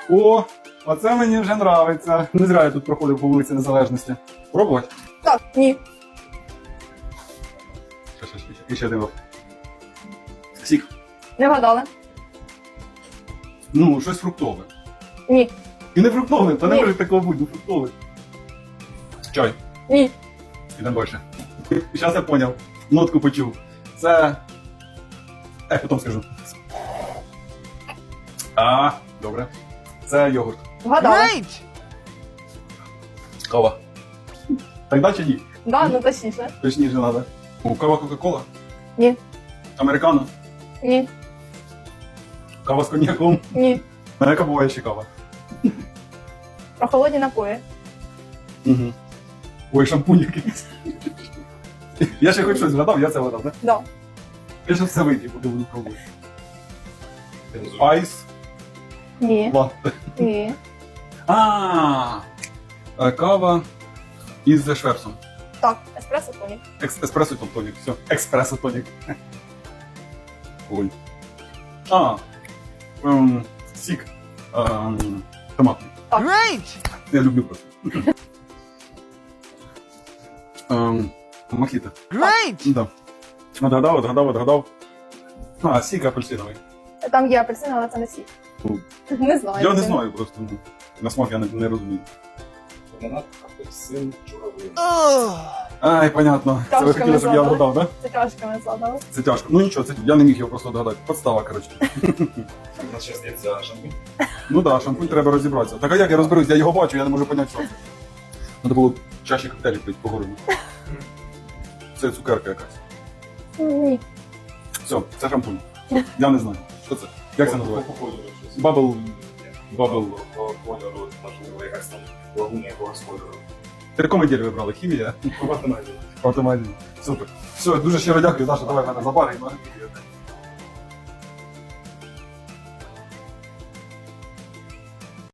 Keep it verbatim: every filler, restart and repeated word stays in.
О, оце мені вже нравиться. Не зря я тут проходив по вулиці Незалежності. Пробувати? Так, ні. Ще, ще, ще, ще. І ще один. от. Сік. Не вгадали. Ну, щось фруктове. Ні. І не фруктове, та не Ні. може такого бути, ну фруктове. Чай. Ні. Ідемо далі. Зараз я поняв. Нотку почув. Це... Е, потім скажу. А, добре. Це йогурт. Вгадали. Кава. Так далі чи ні? Да, ну точніше. Точніше треба. О, кава Кока-Кола? Ні. Американо? Ні. Кава з коньяком? Ні. А яка буває ще кава? Прохолодні напої. Угу. Ой, шампунь якийсь. Я ще хоч щось згадав, я це вгадав, так? Да. Я ще все вийти, поки буду пробувати. Айс. Ні. Латте. Ні. А, е, кава із шверсом. Так, еспресо тонік. Екс- Еспресо тонік. Все. Експресо тонік. Ой. А. Ем, сік. Ем, томатний. Я люблю просто. Ем, мохіто. Да. Отгадав, отгадав, отгадав. А, сік апельсиновий. Там є апельсин, але це не сік. Ну, Не знаю. я не знаю просто. ну, На смак я не, не розумію. Гранат, апельсин, журавлин. Ай, понятно. Це ви Трошки хотіли, щоб я згадали. вгадав, так? Це трошки згадали. Це тяжко. Ну нічого, це я не міг його просто вгадати. Подстава, коротше. У нас ще здається шампунь. Ну так, да, шампунь треба розібратися. Так а як я розберусь? Я його бачу, я не можу поняти, що це. Треба було чаші коктейлі пити по городу. Це цукерка якась. Ні. Все, це шампунь. Я не знаю. Що це? Як це називається? По кольору щось. Бабл. Бабл. По кольору, можливо, якась там лагуня якогось кольору. Ти якому ділі вибрали? Хімія? По математиці. Автомобіль. Супер. Все, дуже щиро дякую, Даша, давай мене забаримо.